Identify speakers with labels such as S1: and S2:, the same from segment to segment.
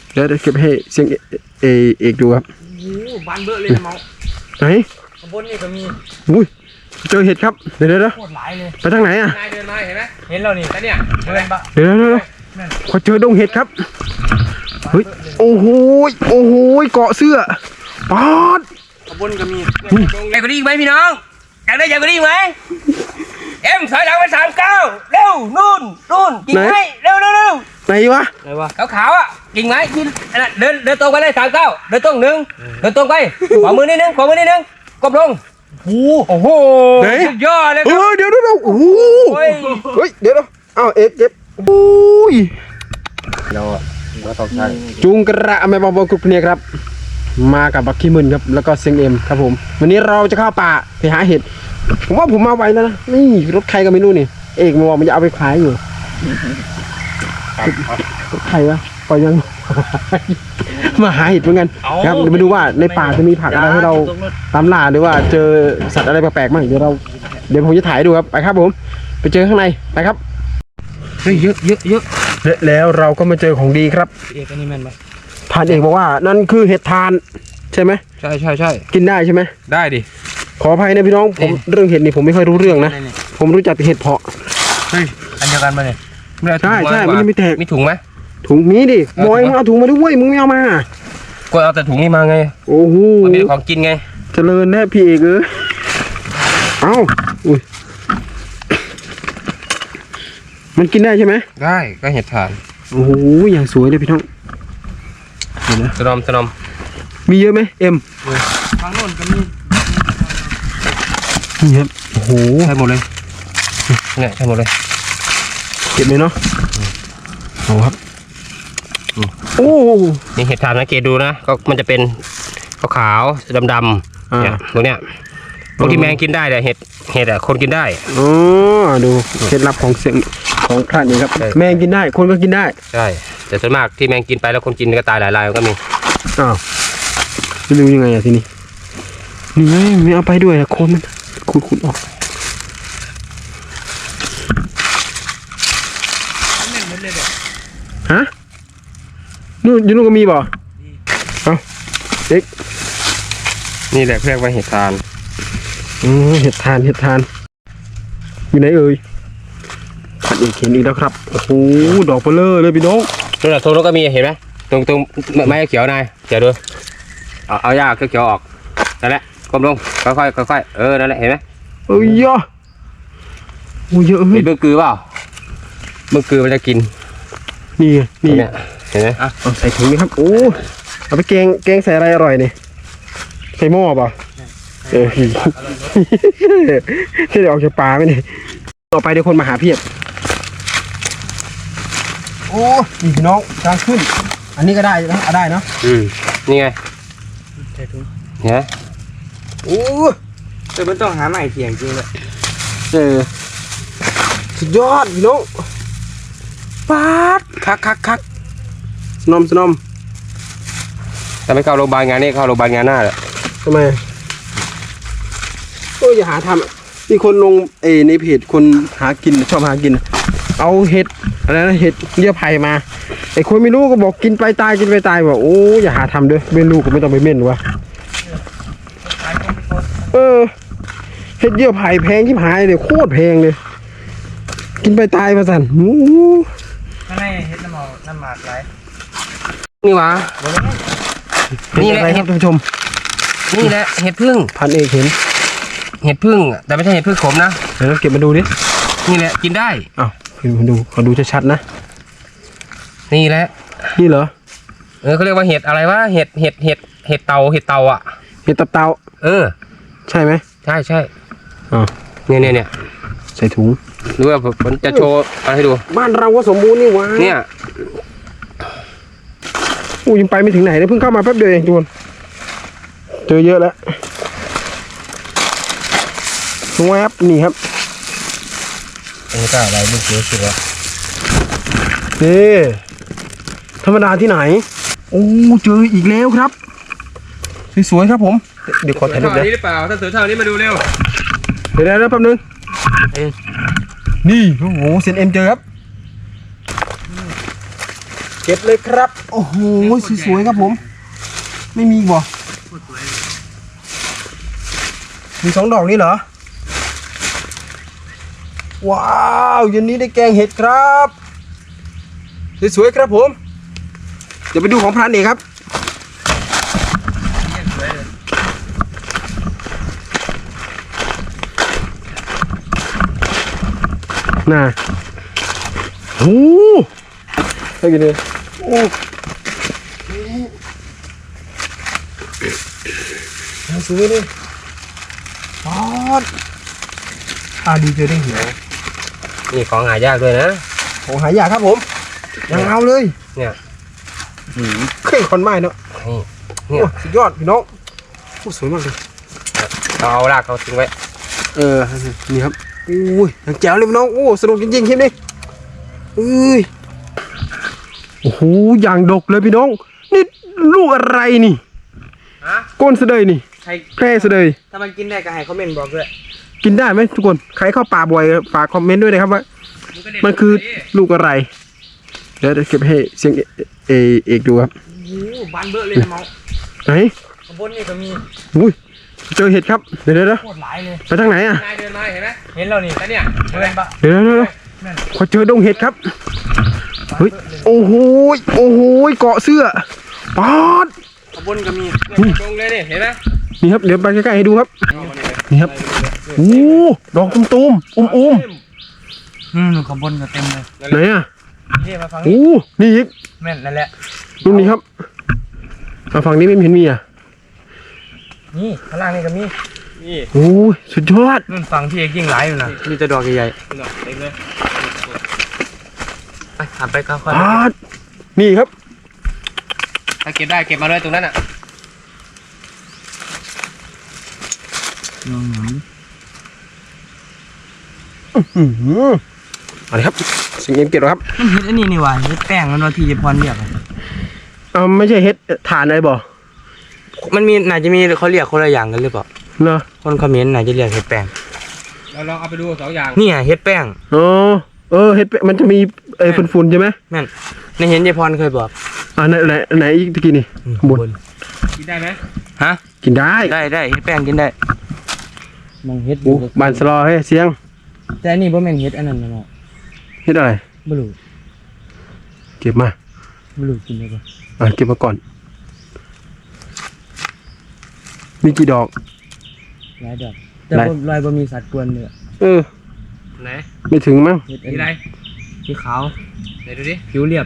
S1: เดี๋ยวเก็บให้เสียงเอกดูครับ
S2: โอ้บานเบอร์เลยมอง
S1: ไหน
S2: ข้างบนนี่ก็มี
S1: อุ้ยเจอเห็ดครับเดี๋ยว
S2: โคตรหลายเลย
S1: ไปทางไหนอ่ะ
S2: นายเดินมาเห็นไหมเห็นเรานี่แล้วเนี่ยเดินปะ
S1: เดี๋ยวขอเจอดงเห็ดครับเฮ้ยโอ้โหเกาะเสื้อปอด
S2: ข้างบนก็มีใหญ่กว่านี้อีกไหมพี่น้องอยากได้ใหญ่กว่านี้อีกไหมเอ็มถอยหลังไป39เร็วนู่นกิ่งไม้เร็ว
S1: ไหนวะ
S2: ขาวอ่ะกิ่งไม้ที่เดินตรงไปเลย39เดินตรง1เดินตรงไปขวามือนิดนึงกบลงโอ้โหสุดยอดเลยครับ
S1: เดี๋ยวโอ้โหเฮ้ยเดี๋ยวอ้าวเอกเจ็บอุ้ย
S3: เราต้องใช้
S1: จุงกระแม่บอลกรุ๊ปเนี่ยครับมากับบักขี้มึนครับแล้วก็เซงเอ็มครับผมวันนี้เราจะเข้าป่าไปหาเห็ดผมว่าผมมาไวแล้วนะนี่รถใครก็ไม่รู้นี่เอกมันจะเอาไปขายอยู่รถใครวะก็ยังมาหาเห็ดเหมือนกันครับเดี๋ยวมาดูว่าในป่าจะมีผักอะไรให้เราตามล่าหรือว่าเจอสัตว์อะไรแปลกๆบ้างเดี๋ยวผมจะถ่ายดูครับไปครับผมไปเจอข้างในไปครับเฮ้ยเยอะแล้วเราก็มาเจอของดีครับ
S2: เอกอันนี้แม่นปะ
S1: ผ่านเอกบอกว่านั่นคือเห็ดทานใช่ไหม
S2: ใช่
S1: กินได้ใช่ไหม
S2: ได้ดิ
S1: ขออภัยนะพี่น้องผมเรื่องเห็ดนี่ผมไม่ค่อยรู้เรื่องนะผมรู้จักแต่เห็ดเพาะ
S2: เฮ้ยอันเดียวกันมาเนี่ย
S1: ใช่มันไม่แตก
S2: มีถุงไหม
S1: ถุงมีดิบอยมึงเอาถุงมาด้วยมึงไม่เอามา
S2: ก็เอาแต่ถุงนี้มาไง
S1: โอ้โห
S2: มันเป็นของกินไง
S1: เจริญแน่พี่เอกเอ้าอุ้ยมันกินได้ใช่ไหม
S2: ได้ก็เห็ดถ่าน
S1: โอ้โหอย่างสวยเลยพี่น้องเห็นไหม
S2: สนอม
S1: มีเยอะไหมเอ็ม
S2: ทางโน้นก็มี
S1: นี่ครับโอ้โห
S2: ใช่หมดเลยเนี่ยใช่หมดเลย
S1: เก็บเลยเนาะเอาครับโอ้
S2: นี่เห็ดถ่านสังเกตดูนะก็มันจะเป็นขาวดำเนี่ยพวกเนี้ยพวกที่แมงกินได้แต่เห็ดอะคนกินได้
S1: อ๋อดูเคล็ดลับของเสียงของพระนี่ครับแมงกินได้คนก็กินได้
S2: ใช่แต่ส่วนมากที่แมงกินไปแล้วคนกินก็ตายหลายรายก็มี
S1: อ้าวจะดูยังไงอะทีนี้นี่ไงไม่เอาไปด้วยนะคนมันขุดออกฮะนู่นอยู่นู่นก็มีบ่เอาเด็ก
S2: นี่แหละเรียกว่าเห็ดทาน
S1: เห็ดทานอยู่ไหนเอ่ยขัดอีกเห็นอีกแล้วครับโอ้โหดอกเบลอเลยพี่น้อง
S2: ตรงนั้นก็มีเห็นไหมตรงไม้เขียวนายเขียวดูเอาหญ้าเขียวออกนั่นแหละก้มลงค่อยนั่นแหละเห็นไหม
S1: เยอะโอ้เยอะเฮ้ย
S2: เบิ่งกือเปล่าเบิ่งกือมันจะกิน
S1: นี่
S2: เห็นไหม
S1: เอาใส่ถุงครับโอ้เอาไปแกงใส่อะไรอร่อยนี่ใส่หม้อป่ะเดี๋ยวออกจากป่าไหมนี่ต่อไปเดี๋ยวคนมาหาเพียบโอ้นี่พี่น้องกลางขึ้นอันนี้ก็ได้นะได้เนาะ
S2: นี่ไงเนี่ย
S1: โอ้
S2: แต่มันต้องหาใหม่เถียงจริงเลย
S1: สุดยอดพี่น้องปาดคักสนอม
S2: แต่ไม่เข้าโรงพยาบาลงานนี้เข้าโรงพยาบาลงานหน้าแหละ
S1: ทำไมโอ้อย่าหาทำมีคนลงในเพจคนหากินชอบหากินเอาเห็ดอะไรนะเห็ดเยื่อไผ่มาไอ้คนไม่รู้ก็บอกกินไปตายบอกโอ้อย่าหาทำด้วยเม่นลูกก็ไม่ต้องไปเม่นวะเห็ดเยื่อไผ่แพงที่หายเลยโคตรแพงเลยกินไปตายมาสั่น
S2: ข้างในเห็ดน้ำหมากไรนี่วะ
S1: นี่แหละครับท่านผู้ชม
S2: นี่แหละเห็ดพึ่ง
S1: พันเอกเห็น
S2: เห็ดพึ่งแต่ไม่ใช่เห็ดพึ่งขมนะ
S1: เดี๋ยวเราเก็บมาดูดิ
S2: นี่แหละกินได้
S1: อ้าวขอดูชัดๆนะ
S2: นี่แหละ
S1: นี่เหรอ
S2: เขาเรียกว่าเห็ดอะไรวะเห็ดเตาอ่ะ
S1: เห็ดตับเตาใช่ไหม
S2: ใช่เนี่ย
S1: ใส่ถุง
S2: ดูว่าผมจะโชว์อะไรให้ดู
S1: บ้านเราก็สมบูรณ์นี่วะ
S2: เนี่ย
S1: ยังไปไม่ถึงไหนเลยเพิ่งเข้ามาแป๊บเดียวเองทุกคนเจอเยอะแล้วแวบนี่ครับ
S2: นี่ก็อะไรลูกเสือสิวะ
S1: นี่ธรรมดาที่ไหนโอ้เจออีกแล้วครับสวยๆครับผมเดี๋ยวขอถ่ายรูปนะ
S2: นี่หรือเปล่าถ้าเสือเท่านี้มาดูเร็ว
S1: เดี๋ยวแป๊บนึงนี่โอ้โหเซนเอ็มเจอครับ
S2: เ
S1: ก็บเลยครับ โอ้โหสวยๆครับผม ไม่มีอีกบ่มี2 ดอกนี้เหรอ ว้าวเย็นนี้ได้แกงเห็ดครับสวยๆครับผม เดี๋ยวไปดูของพรานเอกครับน่ะโอ้ให้กินเลยโอ้สวยเลยปอดดีเจอได้เหี่ยว
S2: นี่ของหายากด้วยนะ
S1: ของหายากครับผมยังเอาเลย
S2: เนี่ย
S1: เคยคนไม้เนาะ
S2: นี่
S1: โอ้สุดยอดพี่น้องโอ้สวยมากเลย
S2: เอารากเขาทิ้งไว้
S1: นี่ครับอุ้ยยังแจ๋วเลยพี่น้องโอ้สนุกจริงๆคลิปนี้โอ้โหอย่างดกเลยพี่น้องนี่ลูกอะไรนี่
S2: ฮะ
S1: ก้นเสดยนี่
S2: ใคร
S1: แพร่เสดย
S2: ถ้ามันกินได้ก็ให้คอมเมนต์บอกด้วย
S1: กินได้ไหมทุกคนใครเข้าป่าบ่อยฝากคอมเมนต์ด้วยนะครับว่ามันคือลูกอะไรเดี๋ยวเก็บให้เสียงเอกดูครับ
S2: โอ้บานเบ้อเลยนะเมา
S1: ไหน
S2: ข้างบนนี่ก็มี
S1: อุ้ยเจอเห็ดครับเดี๋ยว
S2: โคตรหลายเลย
S1: ไปทางไหนอ่ะ
S2: นายเดินมาเห็นไหมเห็นเรานี่แต่เนี่ยเดินปะ
S1: เดี๋ยวขอเจอดงเห็ดครับเฮ้ยโอ้โหเกาะเสื้อป๊อด
S2: ข้างบนก็มีเนี่ยตรงเลยนี่เห็นไหม
S1: นี่ครับเดี๋ยวไปใกล้ๆให้ดูครับนี่ครับโอ้ดอกตุ้มๆอุ้ม
S2: ข้างบนก็เต็มเลย
S1: ไหนอ่ะ
S2: นี่มาฟัง
S1: โอ้นี่อีก
S2: แม่นนั่นแหละ
S1: รุ่นนี้ครับมาฝั่งนี้ไม่เห็นมีอ่ะ
S2: นี่ข้างล่างนี่ก็มีนี่
S1: โอ้ยสุดยอด
S2: นู่นฝั่งที่เอกยิ่งหลายอยู่นะมีแต่ดอกใหญ่ๆเต็มเลยไปขับไปค่อย
S1: ป๊อดนี่ครับ
S2: ๆถ้าเก็บได้เก็บมาเลยตรงนั้นอ่ะ
S1: อะไรครับสิ่งเอ็มเก็บหรอครับ
S2: มันเฮ็ดอันนี้นี่หว่าเฮ็ดแป้งมันว่าที่เยพรเรียก
S1: ไม่ใช่เฮ็ดฐานอะไรบ่
S2: มันมีน่าจะมีเขาเรียกคนละอย่างกันหรือเปล่า
S1: เนาะ
S2: คนเขมรน่าจะเรียกเฮ็ดแป้งเราลองเอาไปดู2 อย่างนี่เฮ็ดแป้ง
S1: อ๋อเฮ็ดมันจะมีฝุ่นๆใช่ไหม
S2: แม่นในเห็นเยพรเคยบอก
S1: ไหนอีกตะกี้นี่ข้างบน
S2: กินได้ไหมฮะ
S1: กินได้
S2: ได้เฮ็ดแป้งกินได้มองเฮ็ด
S1: โอ้บานสลอให้เสียง
S2: แต่อันนี้บ่แม่นเฮ็ดอันนั้นเนาะ
S1: เฮ็ดอะไร
S2: บ่รู้
S1: เก็บมา
S2: บ่รู้กินได้บ่
S1: เก็บมาก่อน มีกี่ดอก
S2: หลายดอกแต่ลอยบ่มีสัตว์กวนเลย ไหน
S1: ไม่ถึงมั้ง
S2: สีอะไรสีขาวไหนดูดิผิวเรียบ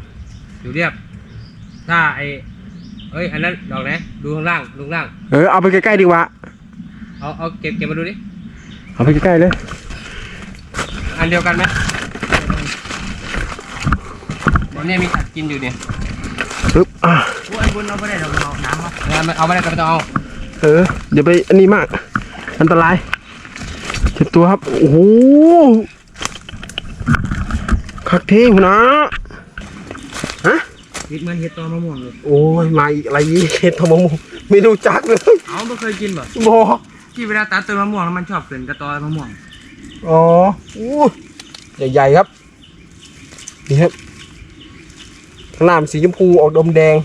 S2: ถ้าอันนั้นดอกไหนดูข้างล่าง
S1: เอาไปใกล้ๆดีกว่า
S2: เอาเก็บมาดูดิ
S1: เอาไปใกล้ๆเลย
S2: อันเดียวกันไหมตอนนี้มีสัตว์กินอยู่เนี่ย
S1: ปึ๊บ
S2: โอ้ยบนเอาไปได้ดอกน้ำเอาไปได้ก็ไม่ต้องเอา
S1: เดี๋ยวไปอันนี้มากอันตรายเจ็บตัวครับโอ้โหคักเท่งนะฮะ
S2: เห็ดเหมือนเห็ดตอมะม่วงเลย
S1: โอ้ยมาอีกอะไรอีกเห็ดทองมะม่วงไม่รู้จักเลย
S2: เอาไม่เคยกินบ่
S1: บอ
S2: ที่เวลาตัดต้นมะม่วงแล้วมันชอบเป็นกระตอมะม่วง
S1: อ๋ออู้ใหญ่ๆครับนี่ครับข้างหน้ามันสีชมพูออกดมแดง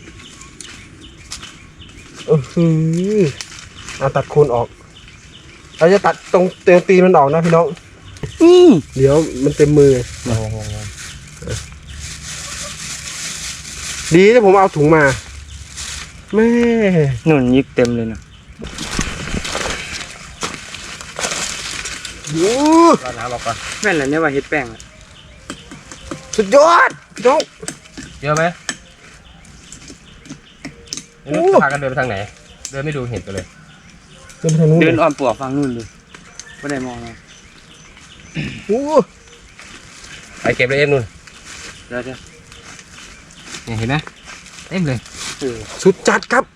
S1: ตัดโคนออกเราจะตัดตรงตีนมันออกนะพี่น้องเดี๋ยวมันเต็มมือดีที่ผมเอาถุงมาแม่
S2: นุ่นยิกเต็มเลยนะรอน้ำออกก่อนแม่นเหรอเนี่ยว่าเห็ดแป้งอะ
S1: สุดยอดพี่น้อง
S2: เยอะไหมพากันเดินไปทางไหนเดินไม่ดูเห็ดกันเลย
S1: เดินไปทางนู้น
S2: เดินอ้อมปลวกฟังนู่นเลยไม่ได้มองนะ ไปเก็บเลยเอ็มนู่นเดี๋ยวนี่เห็นไหมเต็มเลย
S1: สุดจัดครับ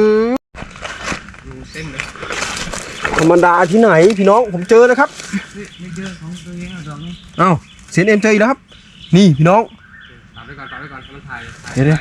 S2: เต็มเลย
S1: ธรรมดาที่ไหนพี่น้องผมเจอแล้วครับ
S2: ไม่เจอของตัวเองดอกนี้
S1: เอ้าเซนเอ็มเจออีกแล้วครับนี่พี่น้อง
S2: ตามไปก่อนให้มันถ่าย
S1: เดี๋ยว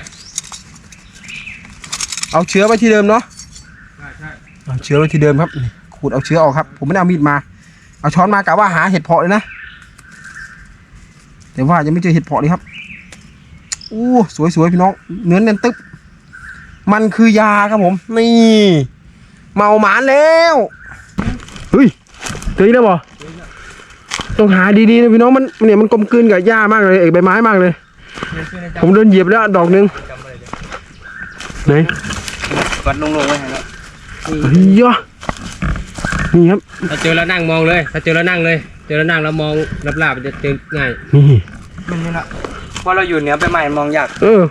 S1: เอาเชื้อไว้ที่เดิมเนาะ
S2: ใช่
S1: เอาเชื้อไว้ที่เดิมครับขูดเอาเชื้อออกครับผมไม่ได้เอามีดมาเอาช้อนมากะว่าหาเห็ดเพาะเลยนะแต่ว่ายังไม่เจอเห็ดเพาะเลยครับอู้สวยๆพี่น้องเนื้อเน้นตึ๊บมันคือยาครับผมนี่เมาหมานแล้วเฮ้ยเจออีกแล้วบ่ต้องหาดีๆนะพี่น้องมันเนี่ยมันกลมกลืนกับหญ้ามากเลยใบไม้มากเลยผมเดินเหยียบแล้วดอกนึงไหน
S2: วัดลงไว้ให้แล้ว
S1: เฮ้ยนี่ครับ
S2: ถ้าเจอแล้วนั่งมองเลยถ้าเจอแล้วนั่งเลยเจอแล้วนั่งแล้วมองลาบๆมันจะเจอง่าย
S1: นี่
S3: มันนี่ละเพราะเราอยู่เหนือไปใหม่มองยาก
S1: เออ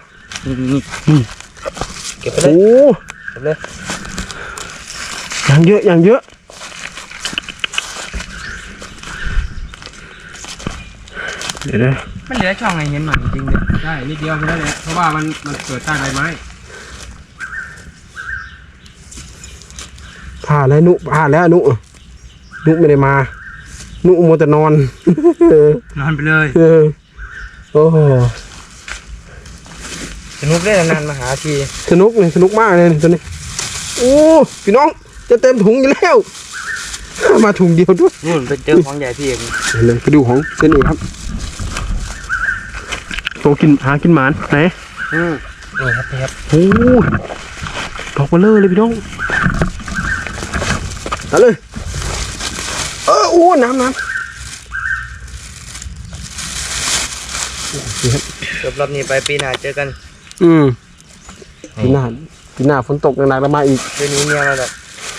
S2: เก็บไปเลย
S1: โอ้
S2: เก็บเลย
S1: อย่างเยอะอย่างเยอะเดี๋ยวนะ
S3: มันเหลือช่องให้เห็นหน่อยจริงๆเลย
S2: ใช่นิดเดียวแค่นั้นแหละเพราะว่ามันเกิดใต้ใบไม้
S1: ผ่านแล้วนุผ่านแล้วนุไม่ได้มานุมัวแต่นอน
S3: นอนไปเลย
S1: เออโอ้โห
S3: สนุกได้นานมาหาที
S1: สนุกเลยสนุกมากเลยตัวนี้โอ้พี่น้องจะเต็มถุงอยู่แล้ว มาถุงเดียวด้วย
S3: นู่นไปเจอของใหญ่พี่เอง
S1: เลยไปดูของเส้นเอกครับโตกินหากินหมานไหน
S3: นี่ครับพี่ครับ
S1: โอ้ดอกเบลเลอเลยพี่น้องเอาเลยโอ้น้ำนี่ครับ
S3: จบรอบนี้ไปปีหน้าเจอกัน
S1: ปีหน้าฝนตกหนักๆแล้วมาอีก
S3: เดือนนี้เมียเราแบบ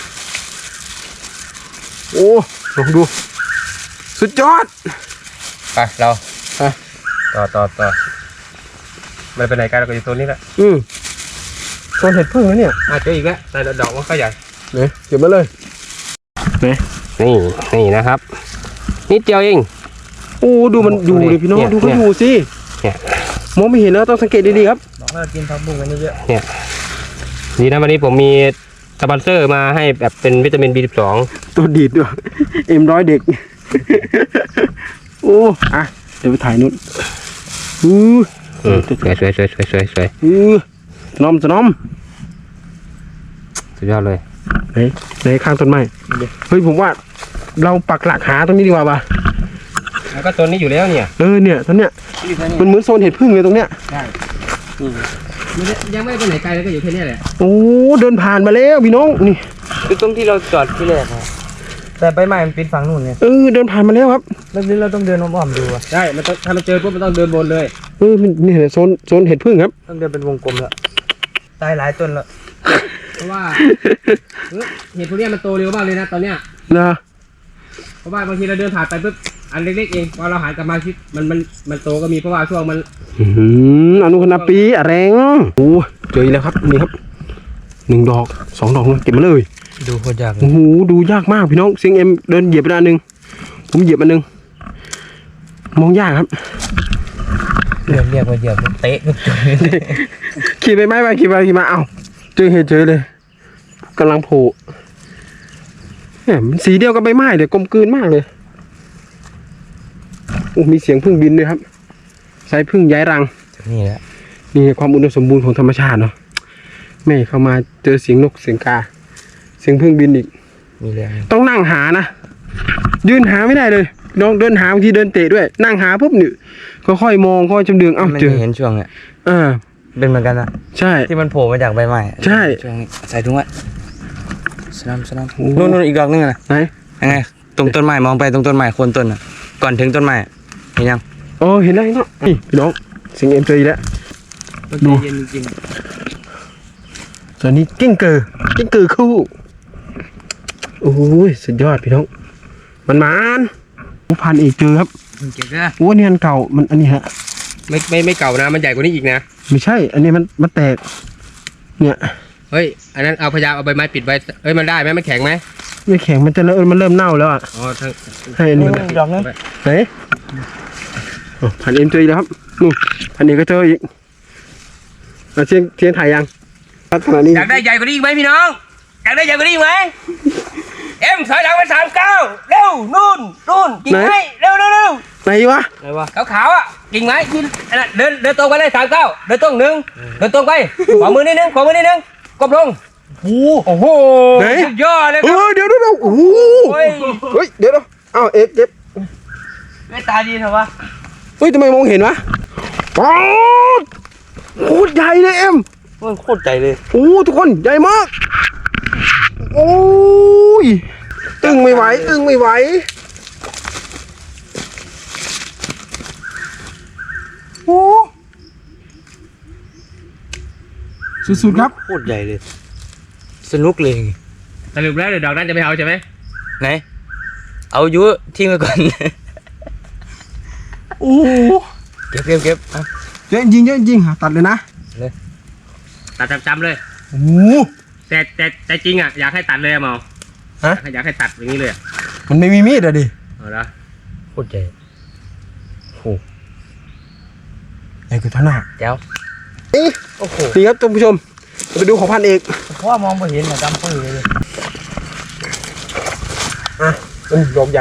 S1: โอ้ลองดูสุดยอด
S2: ไปเรา
S1: ไป
S2: ต่อไม่ไปไหนกันเราก็อยู่โซนนี้แหละ
S1: โซนเห็ดพึ่งแล้วเนี่ย
S2: เจออีกแล้วแต่ดอกมันก็ใหญ่
S1: เนี่ยเก็บมาเลยเนี่ย
S2: นี่นะครับนิดเดียวเอง
S1: โอ้ดูมันอยู่เลยพี่น้อง
S2: เนี่ย
S1: ดูเขาอยู่สิ
S2: เนี่ย
S1: มองไม่เห็นแล้วต้องสังเกตดีๆครับ
S3: บอกว่ากินผักบุ้งกันเยอะ
S2: ดีนะวันนี้ผมมีสปอนเซอร์มาให้แบบเป็นวิตามิน B12
S1: ตัวดีดด้วยM100 เด็ก โอ้อะเดี๋ยวไปถ่ายนู่น
S2: สวย
S1: สนอม
S2: สุดยอดเลย
S1: ในข้างต้นไม้เฮ้ยผมว่าเราปักหลักหาตรงนี้ดีกว่าป่ะ
S2: แล้วก็ตัวนี้อยู่แล้วเนี่ย
S1: เนี่ยตรงเนี้ย
S3: ๆอยู่แค่นี้
S1: มันเหมือนโซนเห็ดพึ่งเลยตรงเนี้ย
S3: ใช่
S2: ยังไม่ไปไหนไกลแล้วก็อยู่แค่นี้แหละ
S1: โอ้เดินผ่านมาแล้วพี่น้องนี่
S3: คือตรงที่เราจอดที่แรกครับแต่ไปใหม่มันปิดฝั่งนู่นเนี่ย
S1: เดินผ่านมาแล้วครับ
S3: แล้วนี้เราต้องเดินอ้อมๆดูอะ
S2: ใช่มันต้องถ้ามันเจอปุ๊บมันต้องเดินบนเลย
S1: มันนี่โซนเห็ดพึ่งครับ
S3: ต้องเดินเป็นวงกลมแล้วตายหลายต้นแล้ว
S2: เพราะว่าเห็ดพวกนี้มันโตเร็วมากเลยนะตอนเนี้ย
S1: นะ
S2: เพราะว่าบางทีเราเดินผ่านไปปุ๊บอันเล็กๆเองพอเราหันกลับมาคิดมันโตก็มีเพราะว่าช่วงมัน
S1: อนุคณาปีอะแรงโอ้เจออีกแล้วครับนี่ครับ1 ดอก 2 ดอกเก็บมาเลย
S3: ดูโคตรยาก
S1: โอ้โหดูยากมากพี่น้องเสียงเอ็มเดินเหยียบไปอันหนึ่งผมเหยียบอันหนึ่งมองยากครับ
S3: เรียกว่าเหยียบเตะทุกจุด
S1: ขี่ไปไม้ไปขี่มาเอ้าเจอเลยกำลังโผล่เนี่ยมันสีเดียวกับใบไม้เลยกลมกลืนมากเลยโอ้มีเสียงพึ่งบินด้วยครับใช้พึ่งย้ายรัง
S3: นี่แหละ
S1: นี่ความอุดมสมบูรณ์ของธรรมชาติเนาะแม่เข้ามาเจอเสียงนกเสียงกาเสียงพึ่งบินอีก
S3: มีแรง
S1: ต้องนั่งหานะยืนหาไม่ได้เลยน้องเดินหาบางทีเดินเตะด้วยนั่งหาปุ๊บนี่ค่อยๆมองค่อยๆจำเดืองเอ้า
S3: มัน
S1: เจอ
S3: เห็นช่วงเนี่ย เป็นเหมือนกันนะ
S1: ใช่
S3: ที่มันโผล่มาจากใบไม้
S1: ใช่
S3: ช่วงนี้ใส่ถุงไว้สลัมนู่นอีกดอกนึงนะ
S1: ไหน
S3: ยังไงตรงต้นไม้มองไปตรงต้นไม้โคนต้นน่ะก่อนถึงต้นไม้เห็นยัง
S1: โอ้เห็นแล้วนี่พี่น้องเสียงเอ็มเจออีกแล้ว ดู
S3: เย็นจริง
S1: ตอนนี้กิ้งเกอร์คู่โอ้ยสุดยอดพี่น้องมันพันเอกเจอครับ
S3: เก่งนะ
S1: โอ้เนี่ยอันเก่ามันอันนี้ฮะ
S2: ไม่เก่านะมันใหญ่กว่านี้อีกนะ
S1: ไม่ใช่ อันนี้มันแตกเนี่ย
S2: เฮ้ยอันนั้นเอาพยายามเอาใบไม้ปิดไว้เฮ้ยมันได้ไหมมันแข็งไหม
S1: ไม่แข็งมันจะมันเริ่มเน่าแล้วอ่ะ
S2: อ๋อทั้ง
S1: ให้อันนี้มัน
S3: ดอกนึง
S1: ไหนพันเอ็มเจออีกแล้วครับนู่นพันเอกก็เจออีกเชียงถ่ายยังลักษณะนี้
S2: อยากได้ใหญ่กว่านี้อีกไหมพี่น้องอยากได้ใหญ่กว่านี้อีกไหมเอ็มถอยหลังไป39เร็วนู่นกิ่งไม้เร็ว
S1: ไหนวะ
S3: อะไรวะ
S2: ขาวอ่ะกิ่งไม้ที่เดินตรงไปเลย39เดินตรง1เดินตรงไปขวามือนิดนึงกบลงโอ้โหสุดยอดเลยครับ
S1: เดี๋ยวโอ้โหเฮ้ยเดี๋ยวอ้าวเอ็กเก็บ
S3: ไม่ตาดีเหรอวะ
S1: เฮ้ยทำไมมองเห็นวะป๊อดโคตรใหญ่เลยเอ็ม
S3: มันโคตรใจเลย
S1: โอ้ทุกคนใหญ่มากโอ้ยอึ้งไม่ไหวอึ้งไม่ไหวโอ้สุดๆครับ
S3: โคตรใหญ่เลย สนุกเลย
S2: สรุปแล้วเดี๋ยวดอกนั้นจะไม่เอาใช่ไหม
S3: ไหนเอายุทิ้งไว้ก่อน
S1: โอ้โห
S3: เก็บอ่ะ
S1: เยอะจริงเยอะจริงตัดเลยนะ
S2: ตัดจำๆเลย
S1: โอ้โห
S2: แต่จริงอ่ะอยากให้ตัดเลยอะเมา
S1: ฮะ
S2: อยากให้ตัดอย่างนี้เลยอะ
S1: มันไม่มีมีดอะดิ
S2: เอาละ
S3: โคตรใหญ่
S1: ไอ้คือท่าหน้า
S3: แจ้ว
S1: นี่
S3: โอ้โห
S1: นี่ครับท่านผู้ชมไปดูของพันเอก
S3: เพราะว่ามองไม่เห็นอะดำปื้อเลย
S1: ดอกใหญ่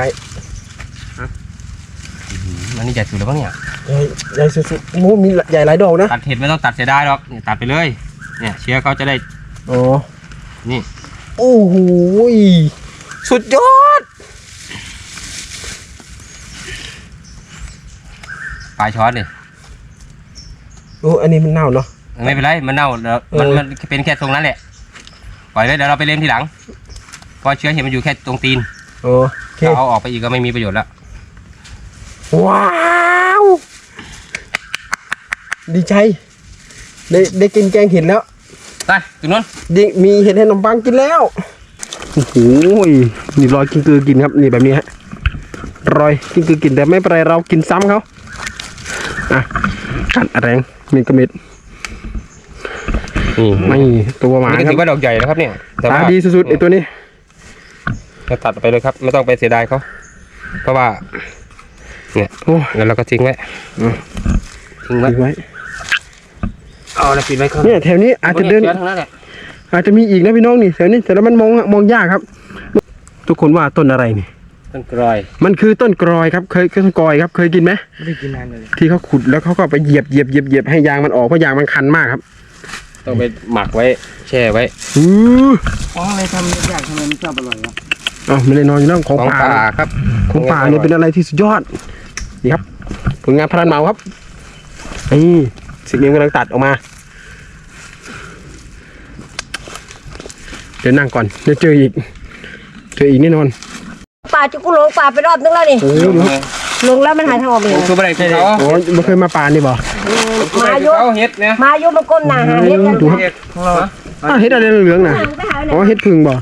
S2: มันนี่ใหญ่สุดแล้วมั้งเนี่ย
S1: ใหญ่สุดๆโอ้โหมีใหญ่หลายดอกนะ
S2: ตัดเห็ดไม่ต้องตัดเสียดายหรอกเนี่ยตัดไปเลยเนี่ยเชื้อเขาจะได้
S1: อ๋อ
S2: นี่
S1: โอ้โหสุดยอด
S2: ปลายช้อนเลย
S1: โอ้อันนี้มันเน่าเนาะ
S2: ไม่เป็นไรมันเน่าแล้วมันเป็นแค่ตรงนั้นแหละปล่อยเลยเดี๋ยวเราไปเล็มทีหลังเพราะเชื้อเห็ดมันอยู่แค่ตรงตีน
S1: โอเค
S2: เราเอาออกไปอีกก็ไม่มีประโยชน์แล้ว
S1: ว้าวดีใจได้กินแกงเห็ดแล้ว
S2: ไปตรงนู้น
S1: มีเห็ดให้ขนมปังกินแล้วโอ้โหนี่รอยกินกือกินครับนี่แบบนี้ฮะรอยกินกือกินแต่ไม่เป็นไรเรากินซ้ำเขากัดแรงมีกระมิด
S2: นี่
S1: ไม่ตัวหมา
S2: นี่ก็
S1: ครั
S2: ถื
S1: บ
S2: อว่าดอกใหญ่แล้วครับเนี่ยแต่
S1: ตา
S2: ว่า
S1: ดีสุดๆไอตัวนี้
S2: จะตัดไปเลยครับไม่ต้องไปเสียดายเขาเพราะว่าเนี่ย
S1: โอ้
S2: งั้นเราก็ทิ้งไว้ทิ้งไว้
S1: ทิ้งไว้
S2: เอาอะไรปิดไว้ข้าง
S1: เนี่ยแถวนี้อาจจะเดิน
S2: ทั้งนั้นแหละ
S1: อาจจะมีอีกนะพี่น้องนี่แถวนี้แต่แล้วมันมองยากครับ ทุกคนว่าต้นอะไรนี่
S2: ต้นกรอย
S1: มันคือต้นกรอยครับต้นกรอยครับเคยกินไหม
S3: ไม่ได้กินนานเลย
S1: ที่เขาขุดแล้วเขาก็ไปเหยียบให้ยางมันออกเพราะยางมันคันมากครับ
S2: ต้องไปหมักไว้แช่ไว้
S3: ของอะไรทำยากทำไมมันชอบอร่อยครับ
S1: อ้าวไม่ได้นอนอยู่แล้วของป่า
S2: ครับ
S1: ของป่าเนี่ยเป็นอะไรที่สุดยอดนี่ครับผลงานพรานเหมาครับนี่สิ่งนี้กำลังตัดออกมาเดี๋ยวนั่งก่อนเดี๋ยวเจออีกแน่นอน
S4: ป่าจุกุหลงป่าไปรอบนึงแล้วนี่
S1: โอ้ย
S4: ลงแล้วมันหายทางออกไป
S2: ผมคืออะไรคือเขา
S1: โอ้ยไม่เคยมาป่านี่บ่
S4: มายุ
S2: เขาเฮ็ดเนี่ย
S4: มายุมันก้มหน้าหาเห็ดกัน
S1: ดูครับ
S2: เฮ็ดของเรา
S1: อ้าวเห็ดอะไรเหลืองๆน่ะอ๋อเห็ดพึ่งบ่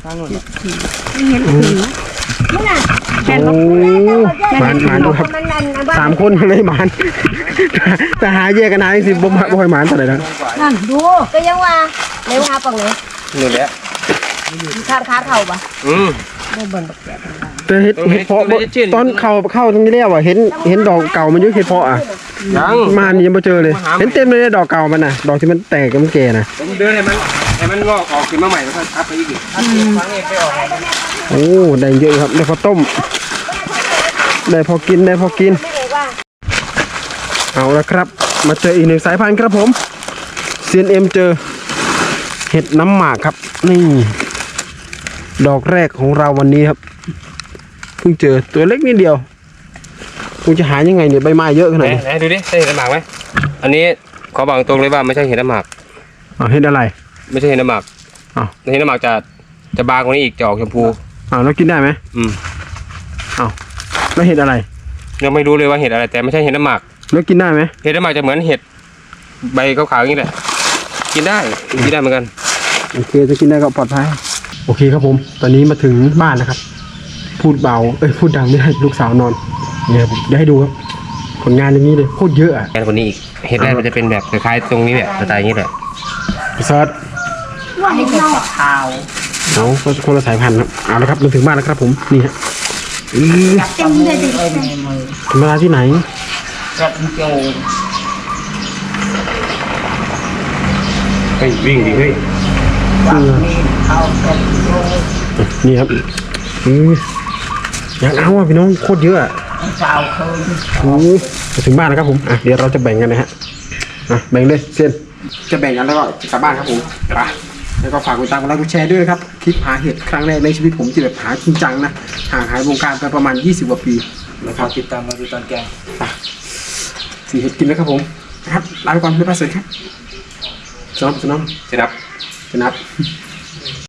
S4: นี่น่ะ
S1: โอ้หมานดูครับ
S4: มันนั่นนะบ้า
S1: 3 คนเลยหมานแต่หาแยกกันหาสิบ่ค่อยหมานเท่าไหร่นะ
S4: นั่นดูก็ยังว่าในว่าปังเลย
S2: นี่แหละ
S4: ข้างขาเข่าปะ
S2: Ừ.
S4: ได้เบิ่งบักแก่
S1: แต่เห็ดเพาะบ่ตอนเข้าตรงนี้แล้วอ่ะเห็นดอกเก่ามันเยอะเห็ดเพาะอ่ะ
S2: ยัง
S1: มานี่ยังไม่เจอเลยเห็นเต็มเลยดอกเก่ามันน่ะดอกที่มันแตกกับมันแก่น่ะ
S2: ผมเดินให้มันงอกออกขึ้นมาใหม่แล้วก็ทับไปอีกฟังเองไปออก
S1: โอ้ได้เยอะครับได้พอต้มได้พอกิน
S4: ไม่เลยว่า
S1: เอาละครับ มาเจออีกหนึ่งสายพันธุ์ครับผม CNM เจอเห็ดน้ำหมากครับนี่ดอกแรกของเราวันนี้ครับเพิ่งเจอตัวเล็กนิดเดียวคุณจะหายังไงเนี่ยใบไม้เยอะขนาดนี้
S2: ไหนดูดิใช่เห็ดน้ำหมากไหมอันนี้ขอบอกตรงเลยว่าไม่ใช่เห็ดน้ำหมาก
S1: เห็ดอะไร
S2: ไม่ใช่เห็ดน้ำหมาก
S1: อ้าว
S2: เห็ดน้ำหมากจะบางกว่านี้อีกจะออกชมพู
S1: แล้วกินได้ไหม
S2: อืม
S1: แล้วเห็ดอะไร
S2: ยังไม่รู้เลยว่าเห็ดอะไรแต่ไม่ใช่เห็ดน้ำหมาก
S1: แล้วกินได้ไหม
S2: เห็ดน้ำหมากจะเหมือนเห็ดใบขาวๆอย่างนี้แหละกินได้เหมือนกัน
S1: โอเคจะกินได้ก็ปลอดภัยโอเคครับผม ตอนนี้มาถึงบ้านนะครับ พูดเบาพูดดังไม่ได้ลูกสาวนอนเนี่ยผมจะให้ดูครับผลงานอย่างนี้เลยโคตรเยอะอ่ะ
S2: แอนคนนี้อีกเห็ดแรกมันจะเป็นแบบคล้ายๆตรงนี้แหละสไตล์นี้แหละ
S1: เซิร์ชเอาก็คนละสายพันธุ์ครับเอาละครับมาถึงบ้านแล้วครับผมนี่ฮะธรรมดาที่ไหน
S2: เฮ้ยวิ่งดิเฮ้ย
S1: นี่ครับอยากเอาอ่ะพี่น้องโคตรเยอะอ่ะโอ้มาถึงบ้านแล้วครับผมเดี๋ยวเราจะแบ่งกันนะฮะแบ่งเลยเซียนจะแบ่งกันแล้วก็กลับบ้านครับผมไปแล้วก็ฝากกดติดตามกดไลค์กดแชร์ด้วยนะครับคลิปหาเห็ดครั้งแรกในชีวิตผมที่แบบหาจริงจังนะห่างหายวงการไปประมาณ20 กว่าปีนะครับ
S3: ติดตามมาดูตอนแกง
S1: สีเห็ดกินแล้วครับผมนะครับลาไปก่อนบ๊ายบายสวัสดีครับสนอม
S2: สนับ
S1: สนับ